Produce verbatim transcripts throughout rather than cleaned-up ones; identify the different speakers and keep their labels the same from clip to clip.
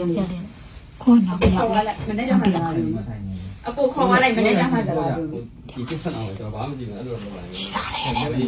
Speaker 1: ပြောခေါ်တော့ပြော
Speaker 2: ခေါ်လိုက်မနေ့ကမှလာလို့အကိုခေါ်သွားလိုက်မနေ့ကမှလာလို့
Speaker 3: ဒီပြဿနာကိုကျွန်တော်ဘာမှမကြည့်ဘူးအဲ့လိုတော့ပါဘူးရှိစားတယ်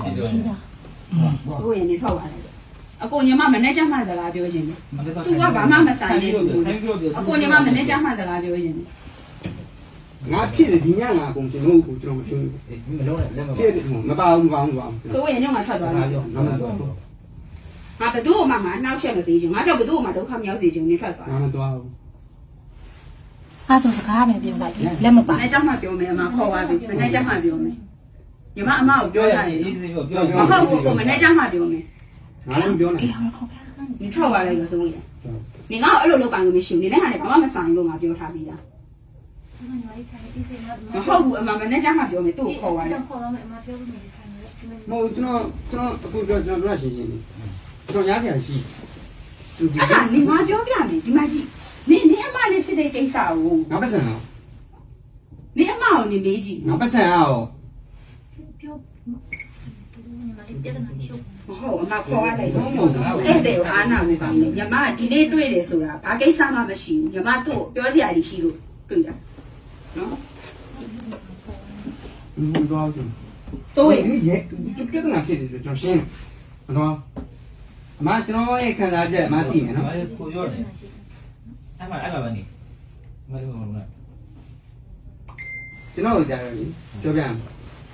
Speaker 2: ကိုရင်နေထောက်သွားလိုက်အကိုညီမမနေ့ကမှစကားပြောခြင်းလေသူကဘာမှမဆိုင်နေဘူးအကိုညီမမနေ့ကမှစကားပြောခြင်းလေ
Speaker 4: ငါဖြစ်တယ်ဒီညငါအကုန်ကျွန်တော်ကိုကျွန်တော်မပြောဘူးမလုံးနဲ့လက်မဖြစ်တယ်မပါဘူးမပါဘူးမပါဘူး
Speaker 2: ဆိုရင်ညငါထွက်သွားတယ်
Speaker 4: ငါမသွားဘူး
Speaker 2: ငါဘသူ့မှငါနှောက်ချက်မသေးချင်ငါကြောင့်ဘသူ့မှဒုက္ခမရောက်စေချင်နေထွက်သွား
Speaker 4: ငါမသွားဘူး
Speaker 1: အားစကားပဲပြောလိုက်လက်မပါ
Speaker 2: မနေ့ကမှပြောမယ်အမခေါ်သွားပြီမနေ့ကမှပြောမယ်ညီမအမကိုပြောရရင်
Speaker 3: အေးစေးပြောပြော
Speaker 2: မဟုတ်ဘူးကိုမနေ့ကမှပြောမယ်
Speaker 4: ငါလည်းပြောနေ
Speaker 1: အေးဟောခေါ်
Speaker 2: 你跳过来有什么呀？你刚二楼楼板都没修，你那还得帮我们上一楼嘛，表他比呀。然后我妈妈那家嘛表没都考完了。
Speaker 4: မဟုတ်ကျွန်တော်ကျွန်တော်အခုပြောကျွန်တော်ပြောရှင်းရှင်းလေးကျွန်တော်ရားပြန်ရှိသူဒီ
Speaker 2: 啊，你妈表表没？你妈几？你你阿妈你是得给啥哦？
Speaker 4: ငါပတ်စံအောင်
Speaker 2: 你阿妈哦你没几？
Speaker 4: ငါပတ်စံအောင်
Speaker 2: 好，阿妈考完了，哎对，俺那我讲的，你妈今天对的说啦，把给啥嘛没修，你妈都表姐里修了，对的。喏，
Speaker 4: မသွားဘူး
Speaker 2: 所以
Speaker 4: ဒီရဲ့ကျပြဿနာဖြစ်တယ်ဆိုကျွန်တော်ရှင်းမသွားအမကျွန်တော်ရဲ့ခံစားချက်အမသိမယ်နော်
Speaker 3: ကိုရောတယ်အဲ့မှာအဲ့မှာပဲနေမလို့မလို့
Speaker 4: ကျွန်တော်ကြားရတယ်ပြောပြမယ်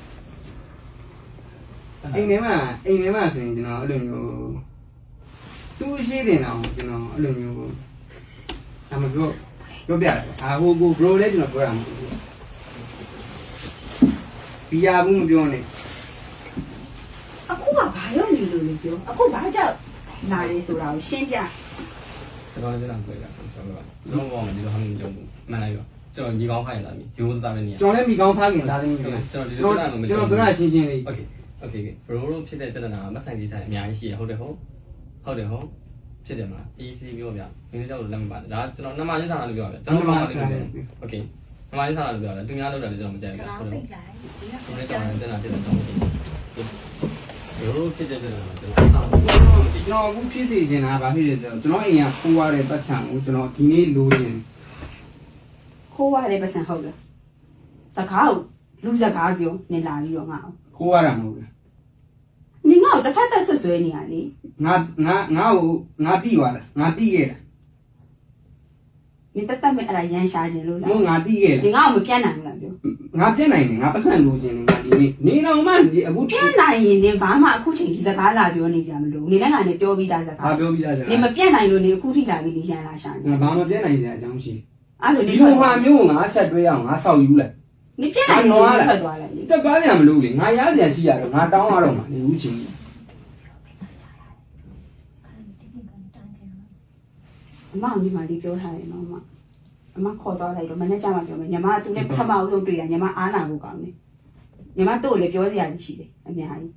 Speaker 4: အိမ်ထဲမှာအိမ်ထဲမှာဆိုရင်ကျွန်တော်အဲ့လိုမျိုးသူ့ရှိတယ်နော်ကျွန်တော်အဲ့လိုမျိုးအမပြောပြောပြတယ်အာဟိုကို bro လည်းကျွန်တော်ပြောရမှာဘီယာဘူးမပြောနဲ့
Speaker 2: အခုကဘာလို့နေလို့လဲပြောအခုဘာကြောင့်လာလဲဆိုတာကိုရှင်းပြ
Speaker 3: ကျွန်တော်ကျွန်တော်ပြောတာကျွန်တော်ပြောကျွန်တော်ဘောမှာဒီလိုဟာမျိုးကြုံဘူးမှန်လိုက်ရောကျွန်တော်ညီကောင်းခိုင်းလာပြီရိုးသားပဲနေရ
Speaker 4: ကျွန်တော်လည်းမိကောင်းဖားခင်သားသမီးတွေ
Speaker 3: ကျွန်တော်ဒီ
Speaker 4: ကျွန်
Speaker 3: လို
Speaker 4: တော်
Speaker 3: ပြတာမ
Speaker 4: ကျွန်
Speaker 3: ကြုံ
Speaker 4: တော်
Speaker 3: ဘူး
Speaker 4: ပြောတာရှင်းရှင်းလေး
Speaker 3: โอเคโอเคဘရိုတို့ဖြစ်တဲ့တဏ္ဍာမဆိုင်သေးတဲ့အများကြီးရှိရဟုတ်တယ်ဟုတ်ဟုတ်တယ်ဟုတ်ဖြစ်တယ်မလား easy ပြောပြမင်းတို့တော့လက်မပါတယ်ဒါကျွန်တော်နမချင်းစာလို့ပြောပြကျွန်တော်ဘာမှမသိဘူးโอเคနမချင်းစာလို့ပြောတယ်သူများလောက်တယ်ကျွန်တော်မကြိုက်ဘူးဟုတ်တယ်ဟုတ်တယ်ကျွန်တော်တဏ္ဍာဖြစ်တဲ့တော့ဘရိုဖြစ်တဲ့တဏ္ဍာကျွန်တော်
Speaker 4: ကျွန်တော်အခုဖြစ်စီနေတာဗာဖြစ်တယ်ဆိုတော့ကျွန်တော်အိမ်ကခိုးရတဲ့ပတ်စံကိုကျွန်တော်ဒီနေ့လိုချင်
Speaker 2: ခိုးရတယ်ပတ်စံဟုတ်လားစကားကိုလူစကားပြောနေလာပြီးတော့ငါ့ကို
Speaker 4: ခိုးရတာမဟုတ်ဘူး
Speaker 2: နေငါ့ကိုတစ်ဖက်သက်ဆွဆွဲနေရလေ
Speaker 4: ငါငါငါ့ကိုငါတိသွားလားငါတိခဲ့တာ
Speaker 2: နေတက်တက်မဲ့အဲ့ဒါရန်ရှာခြင်းလို့လား
Speaker 4: မို့ငါတိခဲ့
Speaker 2: နေ
Speaker 4: လား
Speaker 2: ငါ့ကိုမပြတ်နိုင်ဘူးလားပြော
Speaker 4: ငါပြက်နိုင်တယ်ငါပတ်စံလိုချင်တယ်ငါဒီနေ့နေတော့မှဒီအခု
Speaker 2: ပြတ်နိုင်ရင်နေဘာမှအခုချိန်ဒီစကားလာပြောနေကြမလို့နေလည်းငါနဲ့ပြောပြီးသားစကား
Speaker 4: ဘာပြောပြီးသားစကား
Speaker 2: နေမပြတ်နိုင်လို့နေအခုထိလာပြီးနေရန်လာရှာနေ
Speaker 4: ငါဘာမပြက်နိုင်စရာအကြောင်းရှိ
Speaker 2: အဲ့လို
Speaker 4: ဒီ
Speaker 2: နေ
Speaker 4: လိုဟာမျိုးကိုငါဆက်တွဲအောင်ငါဆောက်ယူလိုက်
Speaker 2: နေပြတ်နိုင်လို့ထွက်သွားလိုက်လေ
Speaker 4: တက်ကားစရာမလိုလေငါရစရာရှိရတော့ငါတောင်းရတော့မှာနေဦးချင်း
Speaker 2: အမညီမလေးပြောထားတယ်နော်အမအမခေါ်သွားလိုက်တော့မနေ့ကမှပြောမယ်ညီမကသူနဲ့ပထမအဆုံးတွေ့တာညီမအားနာဖို့ကောင်းတယ်ညီမတို့လည်းပြောစရာရှိတယ်အများကြီး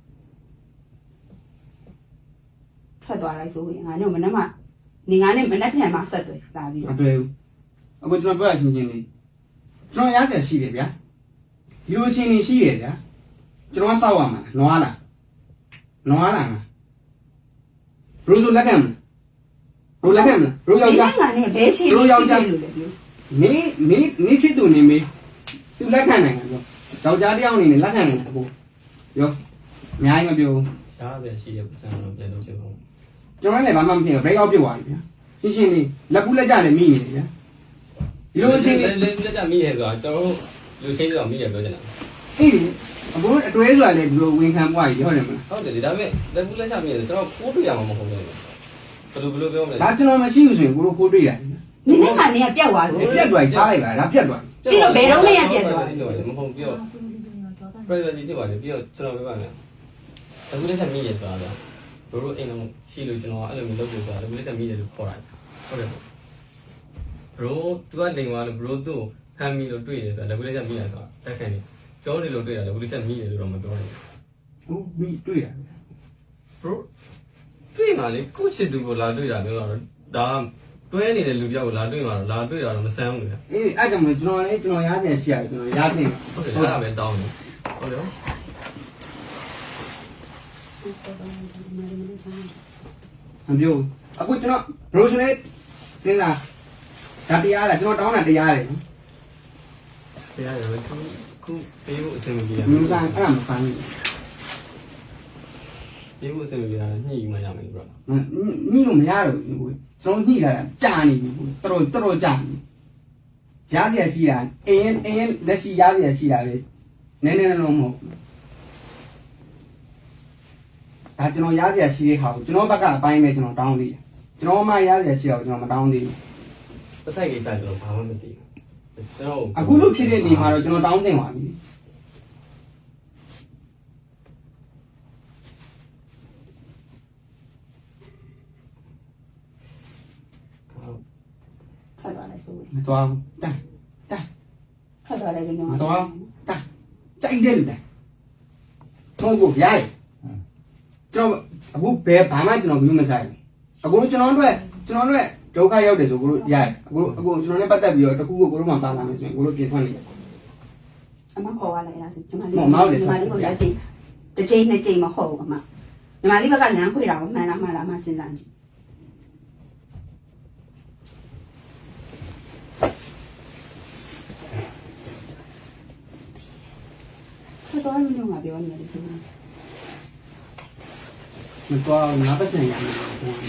Speaker 2: ထွက်သွားလိုက်ဆိုရင်ငါတို့မနေ့ကနေငါနဲ့မနေ့ပြန်မှဆက်တွေ့လာပြီး
Speaker 4: မတွေ့ဘူးအခုကျွန်တော်ပြောရချင်းချင်းလေးကျွန်တော်ရစရာရှိတယ်ဗျာဒီလိုချင်းနေရှိတယ်ဗျာကျွန်တော်ဆောက်ရမှာနွားလားနွားလားငါဘရိုဆိုလက်ကမ်းဘရိုလက်ကမ်းဘရိုယောက်ျား
Speaker 2: ငါနဲ့ဘဲချီလို့လည်းပြော
Speaker 4: နေနေနေချစ်သူနေမေးသူလက်ခံနိုင်တယ်ပြောယောက်ျားတယောက်အနေနဲ့လက်ခံနိုင်တယ်အခုရောအများကြီးမပြောဘူး
Speaker 3: ရှားပဲရှိတဲ့ပတ်စံတော့ပြန်လို့ဖြစ်ဖို့
Speaker 4: ကျွန်တော်လည်းဘာမှမဖြစ်ဘူးဘရိတ်အောက်ပြစ်သွားပြီဗျာရှင်းရှင်းလေးလက်ကူးလက်ကြလည်းမိနေတယ်ဗျာဒီလိုအချင်းလေး
Speaker 3: လေးလက်ကြမိရဲဆိုတော့ကျွန်တော်လူချင်းတော့မိရဲပြောချင်တာ
Speaker 4: အေးအခုအတွဲဆိုတာလည်းဒီလိုဝင်ခံပွားကြီးဟုတ်တယ်မလား
Speaker 3: ဟုတ်တယ်ဒါပေမဲ့လက်ကူးလက်ချမိရဲဆိုကျွန်တော်ခိုးတွေ့ရမှာမဟုတ်ဘူးဘယ်လိုဘယ်လိုပြောမလဲ
Speaker 4: ဒါကျွန်တော်မရှိဘူးဆိုရင်ကိုတို့ခိုးတွေ့ရတယ်
Speaker 2: နေနဲ့ကနေကပြတ်သွားလို့
Speaker 4: ပြတ်သွားထားလိုက်ပါဒါပြတ်သွား
Speaker 2: ပြီးတော့ဘယ်တော့မှရပြတ်သွား
Speaker 3: မဟုတ်ပြီးတော့ privacy ဖြစ်ပါတယ်ပြီးတော့ကျွန်တော်ပြောပါမယ်အခုလက်ချက်မိရဲဆိုတာဘရိုအိမ်လုံးရှိလို့ကျွန်တော်အဲ့လိုမျိုးလုပ်လို့ဆိုတာလက်လက်ချက်မိရဲလို့ခေါ်တာဟုတ်တယ်ဘရိုသူကနေသွားလို့ဘရိုသူ့ဖမ်းမိလို့တွေ့တယ်ဆိုတာလက်လက်ချက်မိရဆိုတာတက်ခံနေကျောင်းနေလို့တွေ့တာလက်လက်ချက်မိရဲလို့တော့မပြောနိုင်
Speaker 4: ဟုတ်မိတွေ့ရတယ်
Speaker 3: ဘူး bro တွေ့မှလေကိုချစ်သူကိုလာတွေ့တာမျိုးတော့ဒါတွဲနေတဲ့လူပြောက်ကိုလာတွေ့မှတော့လာတွေ့တာတော့မဆန်းဘူးလေ
Speaker 4: အေးအဲ့ကြောင့်ကျွန်တော်လည်းကျွန်တော်ရားပြန်ရှိရတယ်ကျွန်တော်ရားတင်
Speaker 3: ဟုတ်တယ်အဲ့ဒါပဲတောင်းတယ်ဟုတ်တယ်
Speaker 4: မပြောအခုကျွန်တော်ဘရိုဆိုလည်းစဉ်းစားဒါတရားလားကျွန်တော်တောင်းတာတရားတယ်နော်
Speaker 3: တရားရယ်ခုခုပေးဖို့အဆင်မပြေရ
Speaker 4: မင်းစားအဲ့ဒါမဆိုင်ဘူး
Speaker 3: ပေးဖို့အဆင်မပြေတာညှိယူမှရမယ်လို့
Speaker 4: ညှိလို့မရတော့ဘူးကိုကျွန်တော်ညှိလာတာကြာနေပြီကိုတော်တော်တော်ကြာနေရရရှိတာအင်းအင်းလက်ရှိရရရှိတာလေနည်းနည်းလုံးမဟုတ်ဒါကျွန်တော်ရရရှိတဲ့ဟာကိုကျွန်တော်ဘက်ကအပိုင်းပဲကျွန်တော်တောင်းသေးတယ်ကျွန်တော်မှရရရှိတာကိုကျွန်တော်မတောင်းသေးဘူး
Speaker 3: ပတ်သက်ကိစ္စကျွန်တော်ဘာမှမသိဘူးကျွန်တော်
Speaker 4: အခုလို့ဖြစ်တဲ့နေမှာတော့ကျွန်တော်တောင်းတင်ပါပြီ
Speaker 2: ထွက်သွားလိုက်ဆို
Speaker 4: မတော်ဘူးတန်းတန်း
Speaker 2: ထွက်သွားလိုက်လို့
Speaker 4: မတော်တန်းကြိုက်တယ်လူတန်းတော့ကိုရိုက်ကျွန်တော်အခုဘယ်ဘာမှကျွန်တော်ဘူးမဆိုင်ဘူးအခုကျွန်တော်တို့ကျွန်တော်တို့ဒုက္ခရောက်တယ်ဆိုကိုတို့ရိုက်အခုအခုကျွန်တော်နဲ့ပတ်သက်ပြီးတော့တခုခုကိုတို့မှပါလာမယ်ဆိုရင်ကိုတို့ပြင်ထွက်နေတယ်
Speaker 2: အမခေါ်ရလိုက်လားဆိုညီမလေးညီမလေးကိုလက်ချိန်တစ်ချိန်နှစ်ချိန်မဟုတ်ဘူးအမညီမလေးဘက်ကလမ်းခွေတာကိုမှန်လားမှန်လားမှစဉ်းစားကြည့်တော်တော်များများပြောနေတယ်ခင်ဗျာ
Speaker 4: မတော်ငါပတ်စံရမယ်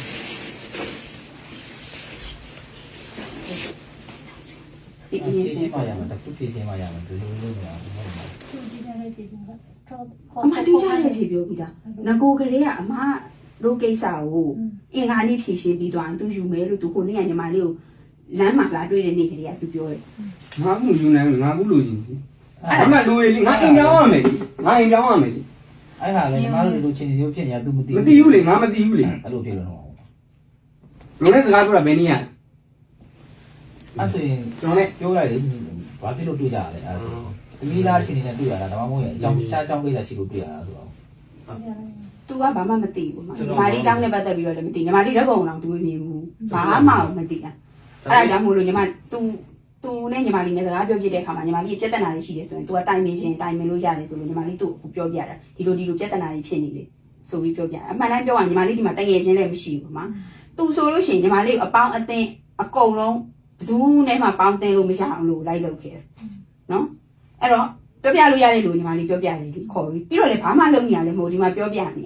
Speaker 2: ဒီအ
Speaker 5: ဖြ
Speaker 2: ရင်
Speaker 5: ည့်
Speaker 2: စ
Speaker 5: ရှင်းမှရမှာတစ်ခုဖြည့်ရှင်းမှရမှာဒီလိုလုပ်နေတာမဟုတ်ဘူး
Speaker 1: သူကြည့်ကြတဲ့ဒီကတော့
Speaker 2: အမတိကျတဲ့ဖြေပြောပြီးသားငကိုကလေးကအမတို့ကိစ္စကိုအင်္ဂါနေ့ဖြေရှင်းပြီးသွားရင်သူယူမယ်လို့သူကိုနေ့ကညီမလေးကိုလမ်းမှာလာတွေ့တဲ့နေ့ကလေးကသူပြောတယ်
Speaker 4: ငါကူယူနိုင်ငါကူလို့ရှင်အဲ့ဒါလိုလေငါအိမ်ပြောင်းရမယ်ငါအိမ်ပြောင်းရမယ်
Speaker 5: အဲ့ဟာလည်းညီမတို့လူချင်းတွေဖြစ်နေတာ तू မသိ
Speaker 4: မသိဘူးလေငါမသိဘူးလေ
Speaker 5: အဲ့လိုဖြစ်လို့တော့
Speaker 4: လူနဲ့စကားပြောတာဘယ်နည်းရ
Speaker 5: အဲ့ဆိုရင်
Speaker 4: ကျွန်တော်နဲ့
Speaker 5: ပြောလိုက်လေဘာဖြစ်လို့တွေ့ကြရလဲအဲ့ဒါသမီးသားချင်းနေနဲ့တွေ့ရတာဒါမှမဟုတ်ရင်အကြောင်းရှားအကြောင်းကိစ္စရှိလို့တွေ့ရတာဆိုတော့
Speaker 2: သူကဘာမှမသိဘူးမညီမလေးเจ้าနဲ့ပတ်သက်ပြီးတော့လည်းမသိညီမလေးလက်ပုံအောင်သူမမြင်ဘူးဘာမှမသိတာအဲ့ဒါကြောင့်မို့လို့ညီမ तू तू နဲ့ညီမလေးနဲ့စကားပြောပြတဲ့အခါမှာညီမလေးပြဿနာတွေရှိတယ်ဆိုရင် तू ကတိုင်ပင်ရှင်တိုင်ပင်လို့ရတယ်ဆိုလို့ညီမလေးသူ့ကိုပြောပြတာဒီလိုဒီလိုပြဿနာတွေဖြစ်နေလေဆိုပြီးပြောပြအမှန်တမ်းပြောရင်ညီမလေးဒီမှာတငယ်ချင်းလည်းမရှိဘူးမှာ तू ဆိုလို့ရှိရင်ညီမလေးအပေါင်းအသင်းအကုန်လုံးဘယ်သူနဲ့မှပေါင်းတင်လို့မရအောင်လို့လိုက်လုပ်ခဲ့တယ်နော်အဲ့တော့ပြောပြလို့ရတဲ့လူညီမလေးပြောပြတယ်ဒီခေါ်ပြီးပြီးတော့လည်းဘာမှလုပ်နေရလဲမဟုတ်ဒီမှာပြောပြနေရ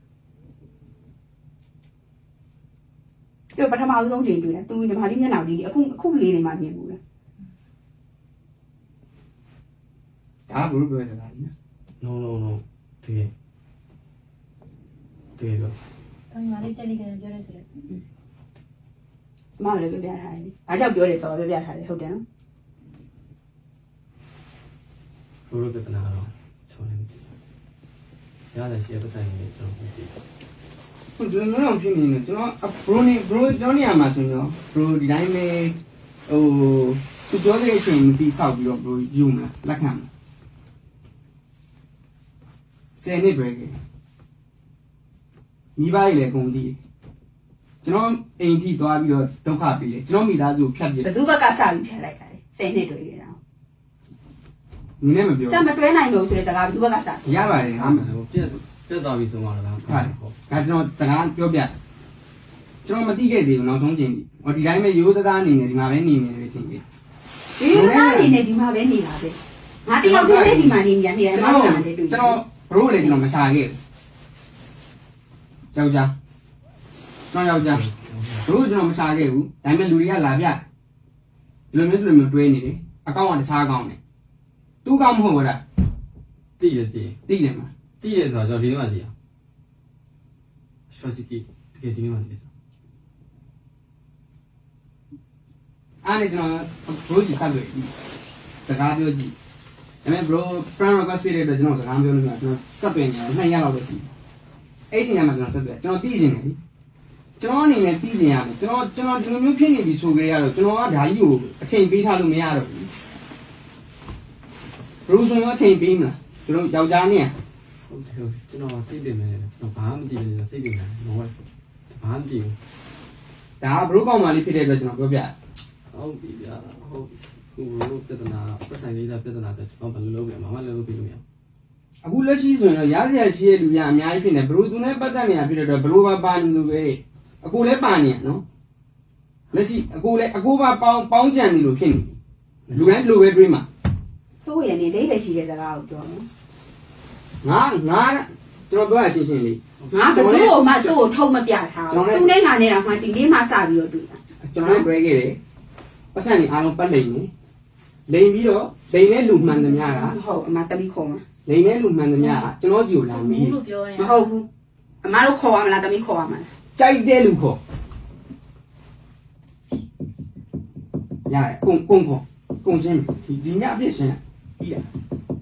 Speaker 2: ပြီးတော့ပထမဆုံးချိန်တွေ့တယ် तू ညီမလေးမျက်နှာလေးအခုအခုလေးနေမှမြင်ဘူးလား
Speaker 4: ဒါဘယ်လိုပြောရလဲ
Speaker 3: no no no တကယ်တကယ်တော့
Speaker 1: တော့ညီမလေးတက်လိကနေပြောရဲဆိုတော့
Speaker 2: မမလည်းပြောပြထားတယ်။အားကြောင့်ပြောတယ်ဆိုတော့ပြောပြထားတယ်ဟုတ်တယ်နော်
Speaker 3: ဘရိုပြဿနာတော့ချုံနေတယ်ရတယ်ရှိရပတ်ဆိုင်နေကျွန်တော်သိတယ်
Speaker 4: ဘယ်လိုမျိုးဖြစ်နေလဲကျွန်တော်ဘရိုနေဘရိုကျွန်တော်နေရာမှာဆိုရင်ဘရိုဒီတိုင်းပဲဟိုသူပြောတဲ့အချိန်မပြီးဆောက်ပြီးတော့ဘရိုယူမလားလက်ခံမလားဆယ်နှစ်ပဲမိဘကြီးလည်းကုန်တည်ကျွန်တော်အိမ်ထိသွားပြီးတော့ဒုက္ခပေးတယ်ကျွန်တော်မိသားစုကိုဖြတ်ပြ
Speaker 2: ။ဘယ်သူဘက်ကစပြီးဖျက်လိုက်တာလဲ။ဆယ်နှစ်တွေ့ရတာ
Speaker 4: နင်းနဲ့မပြော
Speaker 2: ။စက်မတွဲနိုင်လို့ဆိုတဲ့စကားဘယ်သူဘက်ကစ။
Speaker 4: ရပါတယ်ဟာ
Speaker 3: ဟိုပြက်ပြက်သွားပြီဆိုမှလား
Speaker 4: ဟုတ်ဒါကျွန်တော်စကားပြောပြကျွန်တော်မသိခဲ့သေးဘူးနောက်ဆုံးချိန်ပြီဟောဒီတိုင်းပဲရိုးသားသားအနေနဲ့ဒီမှာပဲနေနေတယ်ထင်တယ်
Speaker 2: ဒီလိုသားအနေနဲ့ဒီမှာပဲနေတာပဲ။ငါတယောက်တည်းဒီမှာနေနေတယ်အမောင်ကလည်းတွေ့
Speaker 4: ကျွန်တော်ဘရိုလည်းကျွန်တော်မရှာခဲ့ဘူးယောက်ျားကျွန်တော်ယောက်ျားဘရိုကျွန်တော်မရှာခဲ့ဘူးဒါပေမဲ့လူတွေကလာပြဒီလိုမျိုးဒီလိုမျိုးတွဲနေတယ်အကောင့်ကတခြားအကောင့်နဲ့သူ့ကောင့်မဟုတ်ဘူးလား
Speaker 3: တည်ရတည်
Speaker 4: သိတယ်မလား
Speaker 3: တည်ရဆိုတော့ဒီနေ့မှတည်အောင် short key တကယ်ဒီနေ့မှတည်
Speaker 4: အားနဲ့ကျွန်တော်ဘရိုကြီးဆက်တွေ့စကားပြောကြည့်ဒါပေမဲ့ bro friend request ပေးတဲ့အတွက်ကျွန်တော်စကားပြောလို့ကျွန်တော်ဆက်တွေ့နေတယ်နှစ်ရက်လောက်ပဲရှိတယ်အဲ့ဒီညမှာကျွန်တော်ဆက်တွေ့ကျွန်တော်သိနေတယ်ကျွန်တော်အနေနဲ့သိနေရတယ်ကျွန်တော်ကျွန်တော်ဒီလိုမျိုးဖြစ်နေပြီဆိုကြရတော့ကျွန်တော်ကဓာကြီးကိုအချိန်ပေးထားလို့မရတော့ဘူးဘရိုဆိုရင်အချိန်ပေးမလားကျွန်တော်ယောက်ျားနဲ့
Speaker 3: ဟုတ်တယ်ဟုတ်ကျွန်တော်သိတယ်မယ်ကျွန်တော်ဘာမှမသိဘူးစိတ်ပြနေတယ်ဘာမှမသိဘူး
Speaker 4: ဒါကဘရိုကောင်မလေးဖြစ်တဲ့အတွက်ကျွန်တော်ပြောပြတယ်
Speaker 3: ဟုတ်ပြီဗျာဟုတ်ခုဘရိုပြဿနာပတ်ဆိုင်လေးပြဿနာဆိုကျွန်တော်ဘယ်လိုလုပ်ပြမှာမလုပ်ပြလို့မရ
Speaker 4: အခုလက်ရှိဆိုရင်တော့ရားစရာရှိတဲ့လူရအများကြီးဖြစ်နေဘရိုသူနဲ့ပတ်သက်နေတာဖြစ်တဲ့အတွက်ဘရိုပါပါနေလို့ပဲအကိုလည်းပါနေရနော်လက်ရှိအကိုလည်းအကိုပါပေါင်းပေါင်းကြံနေလို့ဖြစ်နေလူတိုင်းလိုပဲတွေးမှာ
Speaker 2: ဆိုရင်နေလေးပဲရှိတဲ့စကားကိုပြောနော်
Speaker 4: ငါငါကျွန်တော်ပြောရရှင်းရှင်းလေး
Speaker 2: ငါဘယ်သူ့ကိုမှသူ့ကိုထုံမပြထားဘူးသူနဲ့ငါနဲ့တော့မှဒီလေးမှစပြီးတော့တွေ့တာ
Speaker 4: ကျွန်တော်လည်းတွဲခဲ့တယ်ပတ်စံနေအားလုံးပတ်လိမ့်မယ်လိမ့်ပြီးတော့လိမ့်နဲ့လူမှန်သမျှက
Speaker 2: ဟုတ်အမတမီခေါ်မှာ
Speaker 4: လိမ့်နဲ့လူမှန်သမျှကကျွန်တော်ကြည့်လာမီး
Speaker 1: လို့ပြောရ
Speaker 2: မဟုတ်ဘူးအမတို့ခေါ်ရမလားတမီခေါ်ရမလား
Speaker 4: ကြိုက်တဲ့လူခေါ်ရတယ်ကုန်းကုန်းခေါ်ကုန်းရှင်းဒီဒီညအပြည့်ရှင်းပြီးတာ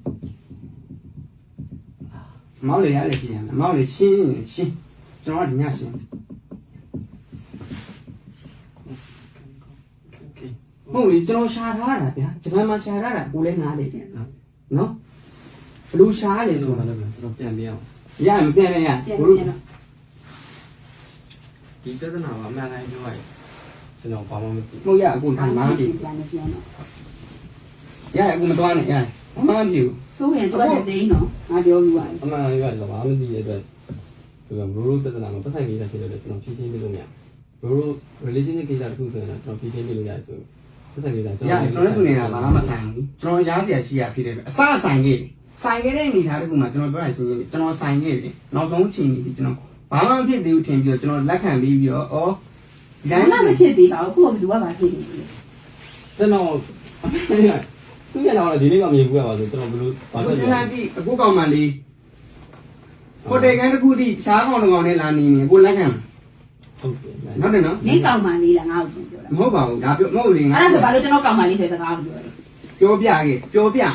Speaker 4: မောက်လေရလေရှင်းရမောက်လေရှင်းရှင်းကျွန်တော်ဒီညရှင်းဟုတ်လေကျွန်တော်ရှာထားတာဗျာဂျပန်မှာရှာထားတာကိုလည်းနားလေတယ်နော်ဘလူရှားလေ
Speaker 3: ကျွန်
Speaker 4: ဆို
Speaker 3: တော်
Speaker 4: တော့
Speaker 3: လည်းကျွန်တော်ပြန်ပြအောင်
Speaker 4: ရမပြန်နဲ့ရ
Speaker 2: ပြန်
Speaker 4: ဘလူ
Speaker 2: ပြန်တော့
Speaker 3: ဒီပြဿနာကအမှန်တိုင်းပြောရရင်ကျွန်တော်ဘာမှမသိ
Speaker 4: ဟုတ်ရအခုထိုင်မှာ
Speaker 2: ပြန်
Speaker 4: ပြီ
Speaker 2: ပြန်ပြန်တော့
Speaker 4: ရအခုမသွားနဲ့ရမမပြူ
Speaker 2: ဆိုရင်သူကစိမ့်နော်ငါပြောပြီးသွားပြီ
Speaker 3: အမှန်တိုင်းပြောရင်ဘာမှမသိတဲ့အတွက်ဒီကဘရိုးပြဿနာမှာပတ်ဆိုင်နေတာဖြစ်လို့ကျွန်တော်ဖြည့်ချင်းပြလို့မရဘရိုး relationship ကိစ္စတစ်ခုဆိုရင်ကျွန်တော်ဖြည့်ချင်းပြလို့ရတယ်ဆိုပတ်ဆိုင်နေတာကျွန်
Speaker 4: ရ
Speaker 3: တော်
Speaker 4: ကျွန်တော်တို့နေတာဘာမှမဆိုင်ဘူးကျွန်တော်ရားတရားရှိရဖြစ်တယ်အစဆိုင်ခဲ့ဆိုင်ခဲ့တဲ့အနေထားတခုမှကျွန်တော်ပြောရရှင်းရှင်းကျွန်တော်ဆိုင်ခဲ့တယ်နောက်ဆုံးချိန်ကြီးကျွန်တော်ဘာမှမဖြစ်သေးဘူးထင်ပြီးတော့ကျွန်တော်လက်ခံပြီးပြီးတော့ဩဒီ
Speaker 2: ဒါ
Speaker 4: တိုင်း
Speaker 2: မှမဖြစ်သေးပါဘူးခုကဘယ်သူကပါဖြစ်နေလဲ
Speaker 3: ကျွန်တော်သူမျက်နှာကဒီနေ့မှမြင်ဘူးရပါဆိုကျွန်တော်ဘလို့ဘာ
Speaker 4: အခု
Speaker 3: လို့
Speaker 4: စ
Speaker 3: လဲ
Speaker 4: မ်းကြည့်အခုကောင်မလေးဟိုတယ်ကန်တစ်ခုတည်းရှားကောင်တစ်ကောင်နဲ့လာနေနေကိုလက်ခံ
Speaker 3: ဟုတ်တယ်
Speaker 4: ဟုတ်တယ်နော်
Speaker 2: နင်းကောင်မလေးလားငါ့ကိုပြောတာ
Speaker 4: မဟုတ်ပါဘူးဒါပြောမဟုတ်လေငါ
Speaker 2: အဲ့ဒါဆိုဘာလို့ကျွန်တော်ကောင်မလေးဆိုတဲ့စကားကိုပြောလဲ
Speaker 4: ပြောပြခဲ့ပြောပြ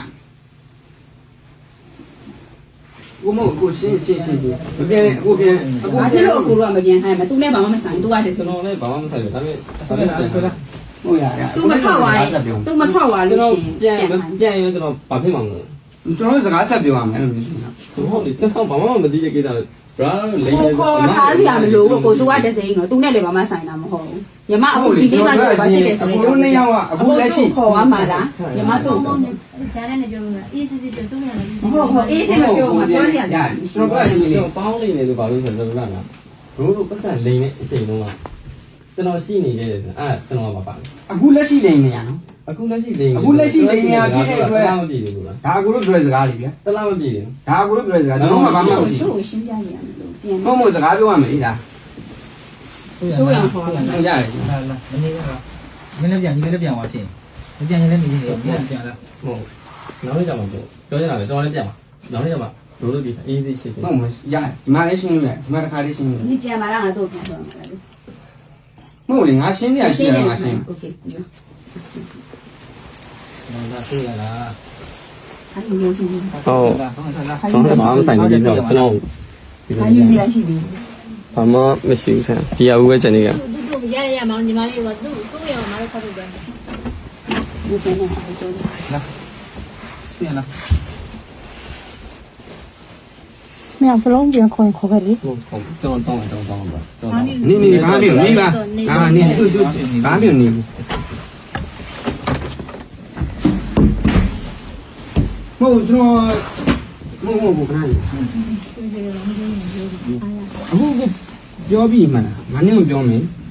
Speaker 4: ကိုမဟုတ်ကိုရှင်းရှင်းရှင်းရှင်းမပြန်အခုပြန်အခု
Speaker 2: ဘာဖြစ်လို့အကူတော့မပြန်ခိုင်းမသူနဲ့ဘာမှမဆိုင်သူကတည်း
Speaker 3: ကျွန်
Speaker 2: ဆို
Speaker 3: တော်လည်းဘာမှမဆိုင်ဘူးဒါပေမဲ့
Speaker 5: ဆက်လာဆက်လာ
Speaker 4: ဟုတ်ရရ
Speaker 2: သူမထောက်သွားရင်သူမထောက်သွား
Speaker 3: ကျွန်
Speaker 2: လို့
Speaker 3: တော်
Speaker 2: ရှိ
Speaker 3: ပြန်
Speaker 2: ရင်
Speaker 3: ပြန်ရင်ကျွန်တော်ဘာဖြစ်မှာမလဲ
Speaker 4: ကျွန်တော်စကားဆက်ပြောရမယ်လို့ပြောနေတာ
Speaker 3: ဟုတ်တယ်ကျွန်တော်ဘာမှမသိတဲ့ကိစ္စဘရာလိမ့်
Speaker 2: ကိုခေါ်ထားစရာမလိုဘူးကိုသူကတည်းစိမ့်တော့သူနဲ့လည်းဘာမှဆိုင်တာမဟုတ်ဘူးညီမအခုဒီကိစ္စကိုဘာဖြစ်တယ်ဆို
Speaker 4: အခုနှစ်ယောက်ကအခုလက်ရှိ
Speaker 2: ခေါ်ရမှာလားညီမတို့
Speaker 1: ကောင်းတယ်ဂျာနဲ့လည်းပြောမှာအေးစစ်စစ်ပြောသူ့နဲ့လည်းအေးစစ်
Speaker 2: ဟုတ်ဟုတ်အေးစိမပြောမှာပြောနေရတယ်
Speaker 4: ကျွန်တော်ပြောရရင်လေ
Speaker 3: ကျွန်တော်ပေါင်းနေတယ်လို့ဘာလို့ဆိုတော့ကျွန်တော်ကဘရိုးတို့ပတ်စံလိမ့်နေအချိန်တုန်းကကျွန်တော်ရှိနေခဲ့တယ်ဆိုအဲ့ကျွန်တော်မပါ
Speaker 4: အခုလက်ရှိနေနေရနော်
Speaker 3: အခုလက်ရှိလိမ့်
Speaker 4: အခုလက်ရှိလိမ့်နေရပြည့်တဲ့အတွက်
Speaker 3: မပြည့်ဘူးလား
Speaker 4: ဒါအခုတို့ပြောစကားတွေဗျာ
Speaker 3: တလားမပြည့်ဘူး
Speaker 4: ဒါအခုတို့ပြောစကားကျွန်တော်ကဘာမှမသိ
Speaker 2: သူ့ကိုရှင်းပြနေရတယ်လို့ပြန်
Speaker 4: ဘူးမဟုတ်စကားပြောရမယ်ဒါ
Speaker 2: ဆိုရင်ခေါ်လာ
Speaker 4: ဟုတ်ရတယ်
Speaker 5: လာလာမနေပါဘူးနည်းလည်းပြန်နည်းလည်းပြန်သွားချင်းမပြန်ရင်လည်းနေနေပြန်ပြန်လာ
Speaker 3: ဟုတ်နောက်နေ့ကျမှပြောပြောရတာပဲကျွန်တော်လည်းပြန်ပါနောက်နေ့ကျမှဘရိုးတို့ဒီအေးသေးရှိတယ်
Speaker 4: ဟုတ်မရဒီမှာလည်းရှင်းလို့ရဒီမှာတစ်ခါလေးရှင်းလို့
Speaker 2: ဒီပြန်လာတာငါတို့ပြန်ဆိုမှာလေ
Speaker 4: မဟုတ်လေငါရှင်းရရှင်းရငါရှင်း
Speaker 2: โอเคပြီးတော့
Speaker 5: လာတွေ့ရလား
Speaker 2: အဲ့ဒီမျိုးရှိနေ
Speaker 5: ဟုတ်ဆောင်းဆောင်းလာ
Speaker 3: ဆောင်းတယ်ဘာမှမဆိုင်ဘူးကျွန်တော်ကျွန်တော်
Speaker 2: ဘာယူစီရရှိပြီ
Speaker 3: ဘာမှမရှိဘူးဆန်ဒီအဦးပဲကျန်နေက
Speaker 1: သူသူရရရမောင်ညီမလေးကသူ့သူ့ရောမတော်ဖတ်လို့တယ်
Speaker 2: ဒီပြန်နေတယ်တော့
Speaker 5: တွေ့ရလား
Speaker 1: မင်းစလုံးပြန်ခေါ်ခေါ်ပဲလေ
Speaker 3: ဟုတ်ဟုတ်ကျွန်တော်တောင်းတယ်ကျွန်တော်တောင်းပါကျွန်တော်
Speaker 4: နေနေဘာမျိုးနေပါအာနေတူတူဘာမျိုးနေမဟုတ်ကျွန်တော်မဟုတ်မဟုတ်ခဏလေးအခုပြောပြီးမှလားငါနဲ့မပြောမင်း